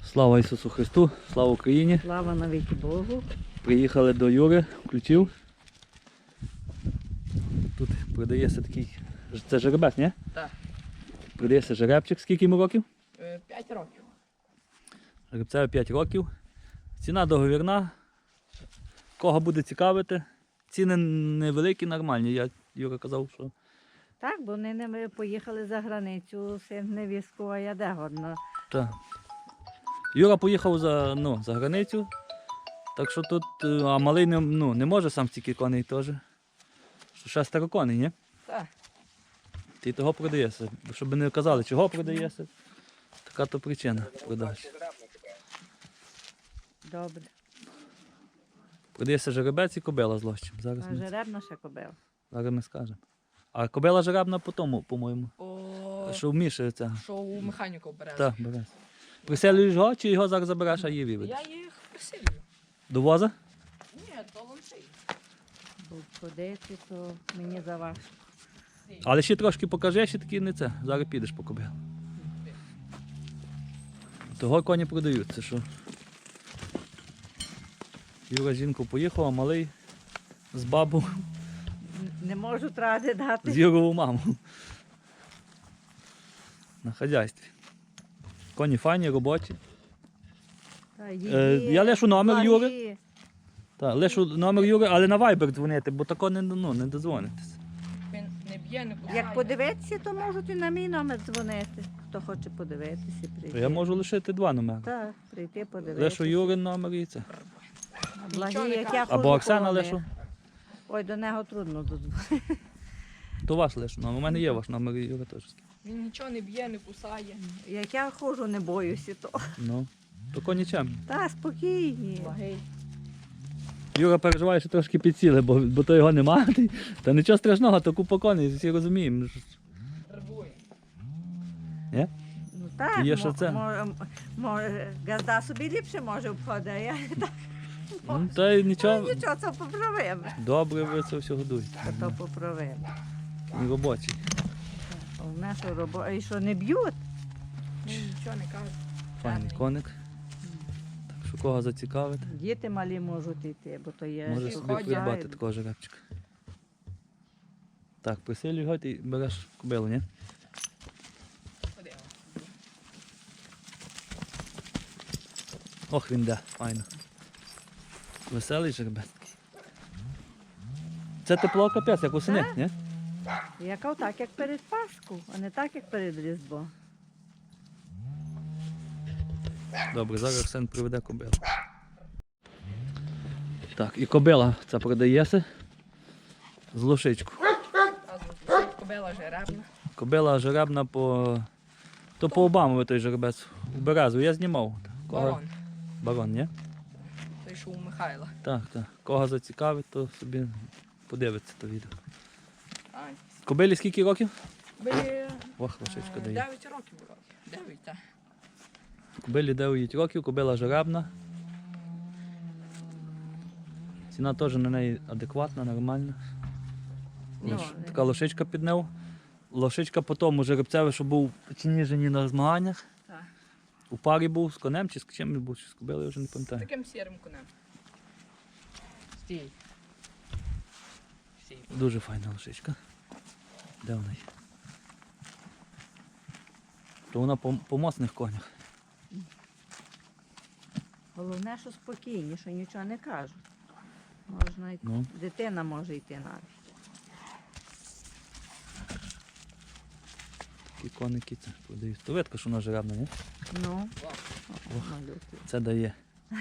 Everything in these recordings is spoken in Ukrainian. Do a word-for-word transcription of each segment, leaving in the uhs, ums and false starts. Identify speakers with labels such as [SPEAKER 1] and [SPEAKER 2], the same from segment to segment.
[SPEAKER 1] Слава Ісусу Христу, слава Україні.
[SPEAKER 2] Слава навіки Богу.
[SPEAKER 1] Приїхали до Юри, включив. Тут продається такий, це жеребець, ні?
[SPEAKER 3] Так.
[SPEAKER 1] Продається жеребчик, скільки йому років?
[SPEAKER 3] П'ять років.
[SPEAKER 1] Жеребцеві п'ять років. Ціна договірна. Кого буде цікавити? Ціни невеликі, нормальні. Я Юра казав, що...
[SPEAKER 2] Так, бо вони не поїхали за границю, син невістку, а я де годно.
[SPEAKER 1] Так. Юра поїхав за, ну, за границю. Так що тут, а малий не, ну, не може сам стільки коней теж. Що шестеро коней, ні?
[SPEAKER 3] Так.
[SPEAKER 1] Ти того продаєшся. Щоб не казали, чого продаєшся. Така то причина продажі.
[SPEAKER 2] Добре.
[SPEAKER 1] Продається жеребець і кобила з лощем. Зараз
[SPEAKER 2] А
[SPEAKER 1] ми,
[SPEAKER 2] жеребна ще кобила.
[SPEAKER 1] зараз ми скажемо. А кобила жеребна по тому, по-моєму.
[SPEAKER 3] О,
[SPEAKER 1] Що в Міші це.
[SPEAKER 3] що у механіку береш.
[SPEAKER 1] Так, береш. Приселюєш його, чи його зараз забереш, а її виведеш?
[SPEAKER 3] Я їх присилюю.
[SPEAKER 1] До воза?
[SPEAKER 3] Ні, то лонший.
[SPEAKER 2] Бо ходити, то мені заважко.
[SPEAKER 1] Але ще трошки покажи, ще таки не це. Зараз підеш по кобилу. Того коні продають, це що? Юра з жінкою поїхав, а малий з бабу,
[SPEAKER 2] Н- Не можу ради дати.
[SPEAKER 1] з Юрову маму. На хазяйстві. Коні файні, робочі.
[SPEAKER 2] Та,
[SPEAKER 1] Е,
[SPEAKER 2] її,
[SPEAKER 1] я лишу номер
[SPEAKER 2] благі.
[SPEAKER 1] Юри. Так, лишу номер Юри, але на Viber дзвонити, бо тако не, ну, не дозвонитись.
[SPEAKER 3] Він не б'є, не кусає.
[SPEAKER 2] Як подивитися, то можуть і на мій номер дзвонити. Хто хоче подивитися, прийти.
[SPEAKER 1] Я можу лишити два номери.
[SPEAKER 2] Так, прийти
[SPEAKER 1] Лишу
[SPEAKER 2] подивитися.
[SPEAKER 1] Юрин номер і це.
[SPEAKER 2] Благі,
[SPEAKER 3] Нічого не
[SPEAKER 2] як
[SPEAKER 3] кажу.
[SPEAKER 2] я ходжу
[SPEAKER 1] Або Оксана
[SPEAKER 2] коло них.
[SPEAKER 1] лишу.
[SPEAKER 2] Ой, до нього трудно додзвонити.
[SPEAKER 1] То ваш лишу номер. У мене є ваш номер, і Юра теж.
[SPEAKER 3] Він нічого не б'є, не кусає.
[SPEAKER 2] Як я ходжу, не боюся, то.
[SPEAKER 1] Ну, то нічим.
[SPEAKER 2] Та, спокійні.
[SPEAKER 3] Благий.
[SPEAKER 1] Юра переживає, що трошки підсіли, бо, бо то його немає. Та нічого страшного, то купа коней, всі розуміємо.
[SPEAKER 3] Рвує.
[SPEAKER 1] Ні?
[SPEAKER 2] Ну так,
[SPEAKER 1] Є
[SPEAKER 2] мо-
[SPEAKER 1] ще це.
[SPEAKER 2] мо- може, газда собі ліпше може обходити, а я не так.
[SPEAKER 1] Ну, та й
[SPEAKER 2] Ну,
[SPEAKER 1] нічого.
[SPEAKER 2] нічого, це поправимо.
[SPEAKER 1] Добре, ви це все годуєте.
[SPEAKER 2] То поправимо.
[SPEAKER 1] І робочий.
[SPEAKER 2] У нас робо... І що, не б'ють?
[SPEAKER 3] Він нічого не каже.
[SPEAKER 1] Файний
[SPEAKER 3] Гарний.
[SPEAKER 1] коник. Так що кого зацікавить,
[SPEAKER 2] Діти малі можуть йти, бо то є.
[SPEAKER 1] може
[SPEAKER 3] всі
[SPEAKER 1] собі
[SPEAKER 3] ходять.
[SPEAKER 1] придбати такого жеребчика. Так, присилюй його і береш кобилу, ні?
[SPEAKER 3] Подивимось.
[SPEAKER 1] Ох, він де, файно. Веселий жеребець такий. Це тепло капець, як осени, ні?
[SPEAKER 2] Я кажу так, як перед Пасху, а не так, як перед Різдвом.
[SPEAKER 1] Добре, зараз Арсен приведе кобилу. Так, і кобила ця продається з лошичку.
[SPEAKER 3] А звучить кобила жеребна.
[SPEAKER 1] Кобила жеребна по... То по Обамові той жеребець. У Березу я знімав. Кого-
[SPEAKER 3] Барон.
[SPEAKER 1] Барон, ні?
[SPEAKER 3] Той, що у Михайла.
[SPEAKER 1] Так, так. Кого зацікавить, то собі подивиться то відео.
[SPEAKER 3] Ай.
[SPEAKER 1] Кобилі скільки років?
[SPEAKER 3] Кобилі
[SPEAKER 1] Ох, лошичка
[SPEAKER 3] е,
[SPEAKER 1] дає.
[SPEAKER 3] дев'ять років було. Дев'ять, так.
[SPEAKER 1] Кобилі дев'ять років, кобила жеребна. Ціна теж на неї адекватна, нормальна.
[SPEAKER 2] Ну,
[SPEAKER 1] Лош- Така лошичка під нею. Лошичка по тому жеребцеві, що був поцініжені на змаганнях.
[SPEAKER 3] Так.
[SPEAKER 1] У парі був з конем чи з чим він був, чи з кобилою, я вже не
[SPEAKER 3] З
[SPEAKER 1] пам'ятаю.
[SPEAKER 3] таким сірим конем. Стій. Стій.
[SPEAKER 1] Дуже файна лошичка. Де вона є? То вона по, по моцних конях.
[SPEAKER 2] Головне, що спокійні, що нічого не кажуть. Можна й...
[SPEAKER 1] Ну.
[SPEAKER 2] Дитина може йти навіть.
[SPEAKER 1] Такі коники це продають. То видко, що вона жеребна, ні?
[SPEAKER 2] Ну,
[SPEAKER 1] Ох.
[SPEAKER 2] малюки.
[SPEAKER 1] Це дає.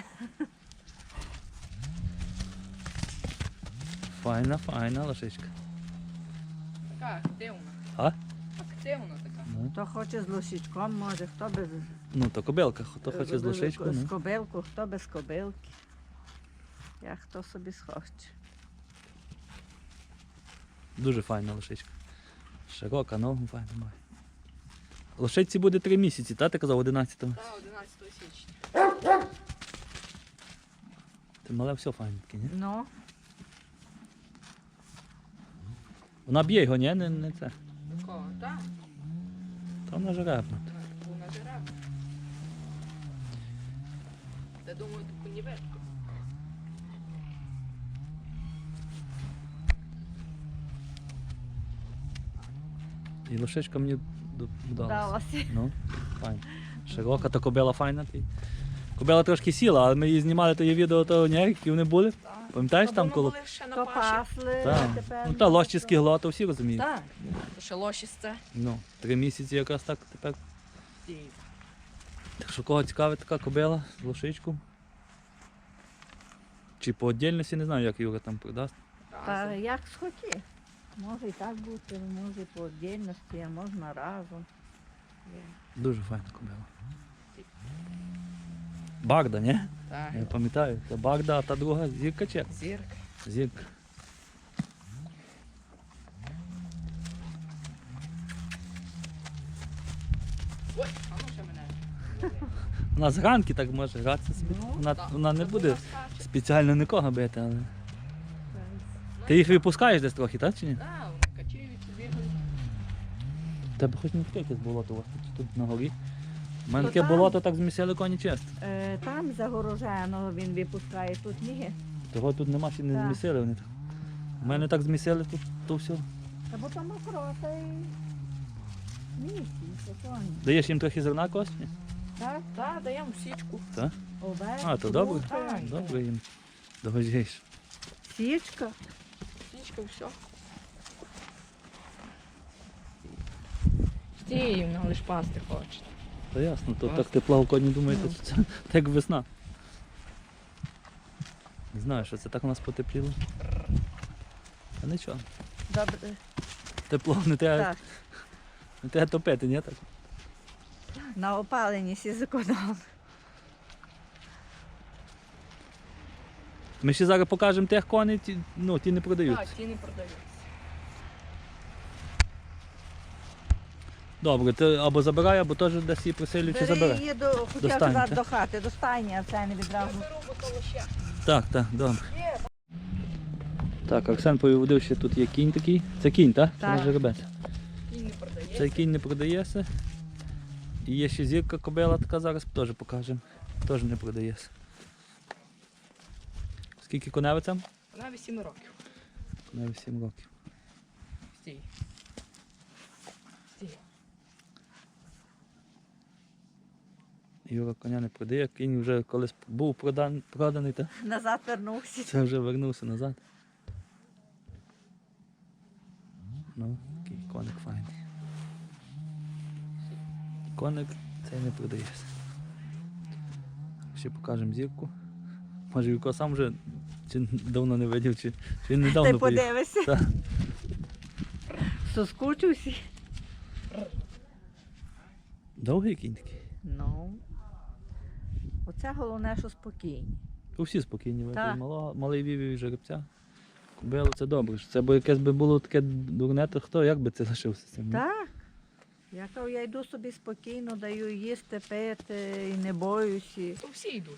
[SPEAKER 1] Файна, файна лошичка.
[SPEAKER 3] Така активна.
[SPEAKER 1] А?
[SPEAKER 3] Активна така.
[SPEAKER 1] Ну,
[SPEAKER 2] Хто хоче з лошичком, може, хто без...
[SPEAKER 1] ну то кобилка, хто хоче з лошичкою.
[SPEAKER 2] З
[SPEAKER 1] Ну.
[SPEAKER 2] кобилку, хто без кобилки. Як хто собі схоче.
[SPEAKER 1] Дуже файна лошичка. Широка, ногу файна має. Лошиці буде три місяці, та ти казав одинадцятого?
[SPEAKER 3] Та одинадцятого січня.
[SPEAKER 1] Ти мале все файне таке, ні?
[SPEAKER 2] Ну,
[SPEAKER 1] Вона б'є його, ні? Не, не це.
[SPEAKER 3] Такого, так.
[SPEAKER 1] Та вона жеребна.
[SPEAKER 3] Вона жеребна. Я думаю, таку нівечку.
[SPEAKER 1] І лошечка мені д- вдалася.
[SPEAKER 2] Вдалося.
[SPEAKER 1] Ну, файно. Широка, та кобила файна. Ти. Кобила трошки сіла, але ми її знімали тоді відео того ні, які вони були. Пам'ятаєш
[SPEAKER 3] Та
[SPEAKER 1] там
[SPEAKER 3] вони
[SPEAKER 1] коло?
[SPEAKER 3] були ще на
[SPEAKER 2] То
[SPEAKER 3] паші.
[SPEAKER 2] пасли,
[SPEAKER 1] Так.
[SPEAKER 2] а тепер...
[SPEAKER 1] Ну та лощі скигло, то всі розуміють.
[SPEAKER 3] Так. То ще лошісце.
[SPEAKER 1] Ну, три місяці якраз так тепер.
[SPEAKER 3] Стій.
[SPEAKER 1] Так що кого цікавить така кобила з лошичку? Чи по віддільності, не знаю, як Юра там продасть.
[SPEAKER 2] Та як схоті. Може і так бути, може і по віддільності, а можна разом.
[SPEAKER 1] Дуже файна кобила. Багда, ні?
[SPEAKER 3] Так.
[SPEAKER 1] Я пам'ятаю, це Багда, а та друга зірка чи? як?
[SPEAKER 3] Зірка.
[SPEAKER 1] Зірка.
[SPEAKER 3] Ой, а ну ще мене.
[SPEAKER 1] Вона зранки так може гратися собі.
[SPEAKER 2] Ну,
[SPEAKER 1] Вона,
[SPEAKER 3] Так,
[SPEAKER 1] вона не
[SPEAKER 3] це
[SPEAKER 1] буде
[SPEAKER 3] скаче.
[SPEAKER 1] спеціально нікого бити, але. Ти їх випускаєш десь трохи, так чи ні?
[SPEAKER 3] Так, вони качають, бігають.
[SPEAKER 1] У тебе хоч не таке якесь болото у вас тут, тут на горі. У мене
[SPEAKER 2] То
[SPEAKER 1] таке
[SPEAKER 2] там.
[SPEAKER 1] болото так змісили коні чисто.
[SPEAKER 2] Е, Там загорожено він випускає, тут ні.
[SPEAKER 1] Того тут нема, ще не
[SPEAKER 2] Так.
[SPEAKER 1] змісили вони так. У мене так змісили тут то все.
[SPEAKER 2] Та бо там окрота і місці, коні.
[SPEAKER 1] Даєш їм трохи зерна кості?
[SPEAKER 2] Так?
[SPEAKER 3] Так, даємо січку.
[SPEAKER 2] Овець,
[SPEAKER 1] А, то добре.
[SPEAKER 2] курка.
[SPEAKER 1] Добре їм. Догоджаєш.
[SPEAKER 2] Січка.
[SPEAKER 3] Січка, все. Стій, вона лиш пасти хоче.
[SPEAKER 1] Та ясно, то
[SPEAKER 3] Ось.
[SPEAKER 1] так тепла у коні думаєте,
[SPEAKER 2] Ну.
[SPEAKER 1] що це так як весна. Не знаю, що це так у нас потепліло. Та нічого.
[SPEAKER 2] Добре.
[SPEAKER 1] Тепло не треба,
[SPEAKER 2] Так,
[SPEAKER 1] не треба топити, ні? Так?
[SPEAKER 2] на опаленні сі зекономили.
[SPEAKER 1] Ми ще зараз покажемо тих коней, ті, ну, ті не продають.
[SPEAKER 3] Так, ті не продаються.
[SPEAKER 1] Добре, ти або забирай, або теж десь її присилю, чи
[SPEAKER 2] Бери
[SPEAKER 1] забирай.
[SPEAKER 2] її до, хотів
[SPEAKER 1] стайні,
[SPEAKER 2] казати,
[SPEAKER 1] так?
[SPEAKER 2] до хати, до стайні, а це не відразу.
[SPEAKER 3] Беру, бо то лише.
[SPEAKER 1] Так, так, добре. Так, Арсен повідомив, що тут є кінь такий. Це кінь, так? Це
[SPEAKER 2] Так.
[SPEAKER 1] не жеребець.
[SPEAKER 3] Ті не продається.
[SPEAKER 1] Цей кінь не продається. І є ще зірка кобила, така зараз теж покажемо. Теж не продається. Скільки коневицям?
[SPEAKER 3] Вона вісім років.
[SPEAKER 1] На сім років.
[SPEAKER 3] Стій. Стій.
[SPEAKER 1] Юра коня не продає, кінь вже колись був продан, проданий, та
[SPEAKER 2] Назад вернувся.
[SPEAKER 1] це вже вернувся назад. Ну, такий коник файний. Коник цей не продається. Ще покажемо зірку. Може Юрко сам вже чи давно не видів, чи, чи він недавно
[SPEAKER 2] Ти
[SPEAKER 1] поїхав.
[SPEAKER 2] подивишся.
[SPEAKER 1] Так.
[SPEAKER 2] Соскучився.
[SPEAKER 1] Довгий кінь такий.
[SPEAKER 2] Ну. Оце головне, що спокійні.
[SPEAKER 1] Ну, всі спокійні, ви
[SPEAKER 2] Так.
[SPEAKER 1] мало, малий вівів і жеребця. Кобило це добре. Це бо якесь би було таке дурне, то хто, як би це лишився з цим? ні?
[SPEAKER 2] Так. Я кажу, я йду собі спокійно, даю їсти, пити і не боюся.
[SPEAKER 3] То всі йдуть.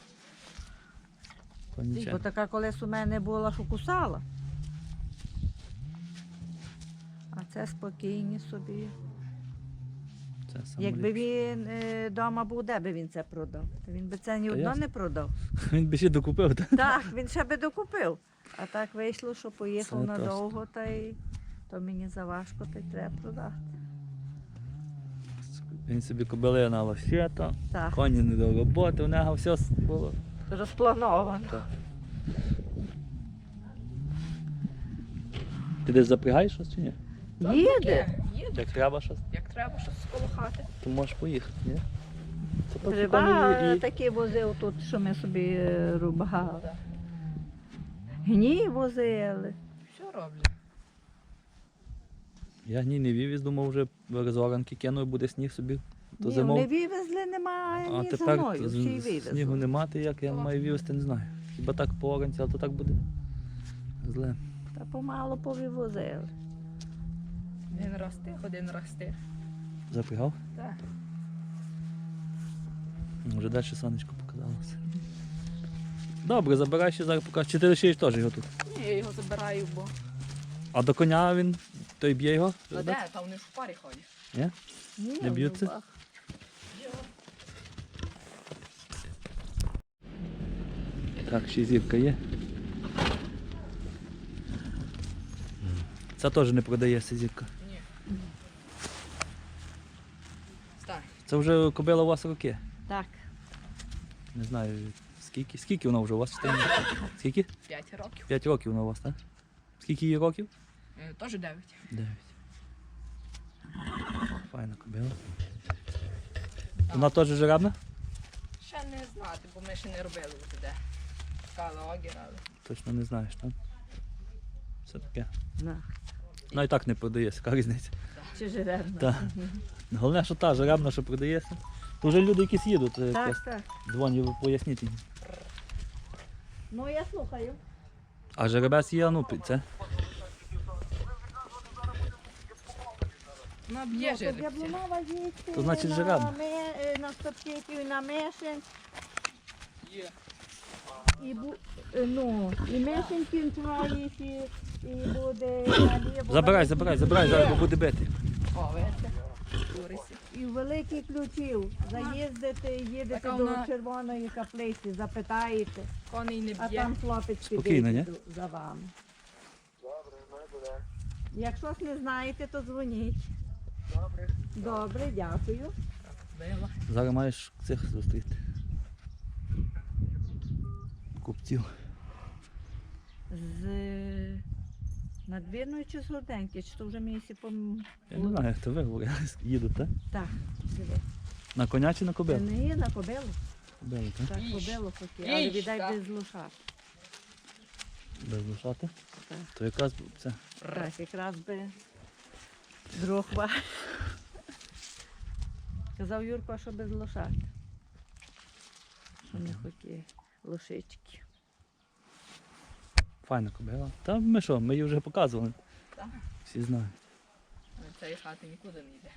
[SPEAKER 1] То нічого.
[SPEAKER 2] Бо така колись у мене була, що кусала. А це спокійні собі.
[SPEAKER 1] Це саме
[SPEAKER 2] Якби
[SPEAKER 1] ліпше.
[SPEAKER 2] він вдома був, де би він це продав? Та він би це ні
[SPEAKER 1] Та
[SPEAKER 2] одно
[SPEAKER 1] ясно.
[SPEAKER 2] не продав.
[SPEAKER 1] Він би ще докупив, так?
[SPEAKER 2] Так, він ще би докупив. А так вийшло, що поїхав
[SPEAKER 1] Це
[SPEAKER 2] надовго, та й то мені заважко, та й треба продати.
[SPEAKER 1] Він собі кобили на лощета,
[SPEAKER 2] Так,
[SPEAKER 1] коні не до роботи, у нього все було.
[SPEAKER 2] розплановано.
[SPEAKER 1] Так. Ти десь запрягаєш щось чи ні?
[SPEAKER 2] Їде.
[SPEAKER 3] Їде.
[SPEAKER 1] Як треба щось,
[SPEAKER 3] Як треба щось коло хати.
[SPEAKER 1] то можеш поїхати, ні? Це поки
[SPEAKER 2] Треба
[SPEAKER 1] коні і...
[SPEAKER 2] такі возив тут, що ми собі е, рубали. Гній возили.
[SPEAKER 3] Все роблять.
[SPEAKER 1] Я гній не вивіз, думав, вже розоранки кинув, буде сніг собі. То
[SPEAKER 2] Ні,
[SPEAKER 1] зимов...
[SPEAKER 2] вони вивезли, немає
[SPEAKER 1] А
[SPEAKER 2] ні за
[SPEAKER 1] тепер
[SPEAKER 2] мною,
[SPEAKER 1] з-
[SPEAKER 2] всі й
[SPEAKER 1] з-
[SPEAKER 2] вивезли.
[SPEAKER 1] снігу нема, то як я маю вивезти, не знаю. Хіба так по оранці, але то так буде зле.
[SPEAKER 2] Та помало повивозили.
[SPEAKER 3] Один раз тих, один раз тих.
[SPEAKER 1] Запрягав?
[SPEAKER 3] Так.
[SPEAKER 1] Вже далі сонечко показалося. Добре, забирай ще зараз покажу. Чи ти лишиш теж його тут?
[SPEAKER 3] Ні, я його забираю, бо.
[SPEAKER 1] А до коня він той б'є його?
[SPEAKER 3] А де? Та вони ж в парі ходять.
[SPEAKER 1] Ні?
[SPEAKER 2] Ні,
[SPEAKER 1] Не
[SPEAKER 2] в
[SPEAKER 1] б'ються?
[SPEAKER 2] рубах.
[SPEAKER 1] Так, ще зірка є. Це теж не продається зірка.
[SPEAKER 3] Ні. Стань.
[SPEAKER 1] Це вже кобила у вас роки.
[SPEAKER 2] Так.
[SPEAKER 1] Не знаю скільки. Скільки вона вже у вас? Чотири? Скільки?
[SPEAKER 3] П'ять років.
[SPEAKER 1] П'ять років вона у вас, так? Скільки їй років?
[SPEAKER 3] Е, Теж дев'ять.
[SPEAKER 1] Дев'ять. Файна кобила. Вона теж жеребна?
[SPEAKER 3] Ще не знати, бо ми ще не робили вже де. Шукали огір, але.
[SPEAKER 1] Точно не знаєш, так? Все таке.
[SPEAKER 2] На.
[SPEAKER 1] Вона і так не продається, яка різниця.
[SPEAKER 2] Чи жеребна?
[SPEAKER 1] Так. Головне, що та жеребна, що продається. То вже люди якісь їдуть,
[SPEAKER 2] Так,
[SPEAKER 1] якраз
[SPEAKER 2] так.
[SPEAKER 1] дзвоню, поясніть їм.
[SPEAKER 2] Ну, я слухаю.
[SPEAKER 1] А жеребець є, ну, це.
[SPEAKER 3] Вона б'є
[SPEAKER 2] Ну,
[SPEAKER 3] жеребця.
[SPEAKER 2] Яблунова їсти
[SPEAKER 1] То значить
[SPEAKER 2] на,
[SPEAKER 1] жеребна.
[SPEAKER 2] ме- е, на стопчиків, на мешень.
[SPEAKER 3] Є.
[SPEAKER 2] І, бу, е, ну, і мешень кінчаєш, і, і буде наліво.
[SPEAKER 1] Забирай, забирай, забирай, зараз бо буде бити.
[SPEAKER 3] О, видите? Курисі.
[SPEAKER 2] І великий ключів. Заїздите, їдете
[SPEAKER 3] Така
[SPEAKER 2] до
[SPEAKER 3] вона-
[SPEAKER 2] червоної каплиці, запитаєте,
[SPEAKER 3] Коней не
[SPEAKER 2] а
[SPEAKER 3] б'є.
[SPEAKER 2] там хлопець
[SPEAKER 1] Спокійно,
[SPEAKER 2] піде
[SPEAKER 1] ні?
[SPEAKER 2] до- за вами. Якщо ж не знаєте, то дзвоніть.
[SPEAKER 3] Добре.
[SPEAKER 2] Добре, дякую.
[SPEAKER 3] Била.
[SPEAKER 1] Зараз маєш цих зустріти. Купців.
[SPEAKER 2] З надвірної чи з Горденки, чи то вже мені всі пом...
[SPEAKER 1] Я не знаю, хто ви говорили, їдуть, так?
[SPEAKER 2] Так, диви.
[SPEAKER 1] На коня чи на
[SPEAKER 2] Це
[SPEAKER 1] кобилу?
[SPEAKER 2] не є на кобилу,
[SPEAKER 1] Кобилу, так?
[SPEAKER 2] так,
[SPEAKER 3] Їж.
[SPEAKER 2] кобилу поки, але
[SPEAKER 3] Їж,
[SPEAKER 2] віддай
[SPEAKER 3] так.
[SPEAKER 2] без лошад.
[SPEAKER 1] Без лошати.
[SPEAKER 2] Так.
[SPEAKER 1] То якраз це.
[SPEAKER 2] Так, якраз би друг ваш. Казав Юрко, що без лошад. Що не хотіє лошички.
[SPEAKER 1] Файна кобила. Та ми що, ми її вже показували.
[SPEAKER 3] Так.
[SPEAKER 1] Всі знають.
[SPEAKER 3] Цієї хати нікуди не йде.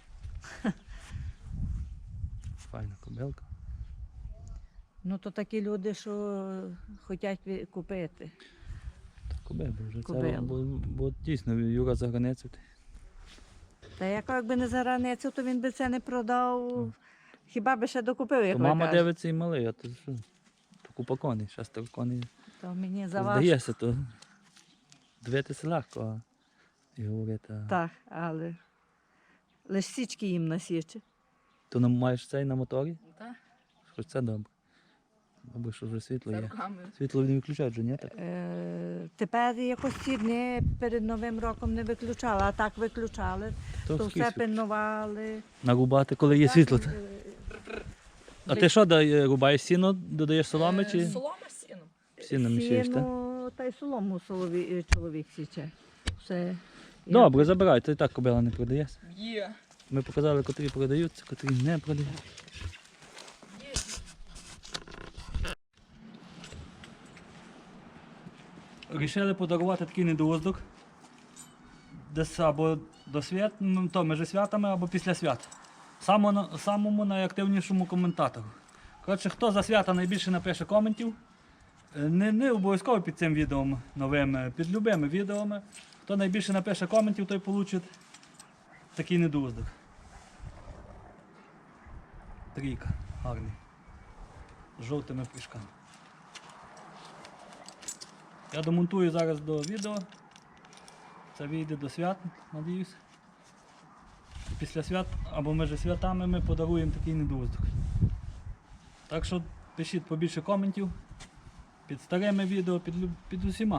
[SPEAKER 1] Файна кобилка.
[SPEAKER 2] Ну то такі люди, що хочуть купити.
[SPEAKER 1] Та кобила вже. Це,
[SPEAKER 2] Кобилу.
[SPEAKER 1] бо, бо дійсно Юра за границю.
[SPEAKER 2] Та як якби не за границю, то він би це не продав. Хіба би ще докупив, як
[SPEAKER 1] То
[SPEAKER 2] ви
[SPEAKER 1] мама
[SPEAKER 2] кажете.
[SPEAKER 1] дивиться і малий, а то що? То купа коней, шестеро коней.
[SPEAKER 2] То мені за вас.
[SPEAKER 1] Здається, то дивитися легко, а і говорити. а
[SPEAKER 2] Так, але лиш січки їм насіче.
[SPEAKER 1] То не маєш цей на моторі?
[SPEAKER 3] Ну, так,
[SPEAKER 1] Хоч це добре. Добре, що вже світло
[SPEAKER 3] це
[SPEAKER 1] є.
[SPEAKER 3] руками.
[SPEAKER 1] Світло не виключають вже, ні? Так?
[SPEAKER 2] Е, тепер якось ці дні перед Новим роком не виключали, а так виключали,
[SPEAKER 1] То,
[SPEAKER 2] то
[SPEAKER 1] скрізь
[SPEAKER 2] все пильнували.
[SPEAKER 1] нарубати, коли є світло.
[SPEAKER 2] Так, е,
[SPEAKER 1] А ти що, дає- рубаєш сіно, додаєш соломи
[SPEAKER 3] Е,
[SPEAKER 1] чи
[SPEAKER 3] Солома з сіном.
[SPEAKER 1] сіно мішаєш, так?
[SPEAKER 2] сіно та й солому солові- чоловік січе. Все.
[SPEAKER 1] Добре, забирай, то і так кобила не продається.
[SPEAKER 3] Б'є.
[SPEAKER 1] Ми показали, котрі продаються, котрі не продають.
[SPEAKER 3] Є.
[SPEAKER 1] Рішили подарувати такий недоуздок. Десь або до свят, ну, то між святами, або після свят. Самому, самому найактивнішому коментатору. Коротше, хто за свята найбільше напише коментів, е, не, не обов'язково під цим відео новим, е, під любими відео. Хто найбільше напише коментів, той получить такий недоуздок. Трійка, гарний. З жовтими прыжками. Я домонтую зараз до відео. Це вийде до свят, надіюсь. І після свят, або між святами ми подаруємо такий недоуздок. Так що пишіть побільше коментів під старими відео, під, люб- під усіма.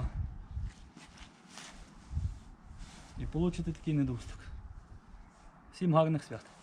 [SPEAKER 1] І получите такий недоуздок. Всім гарних свят.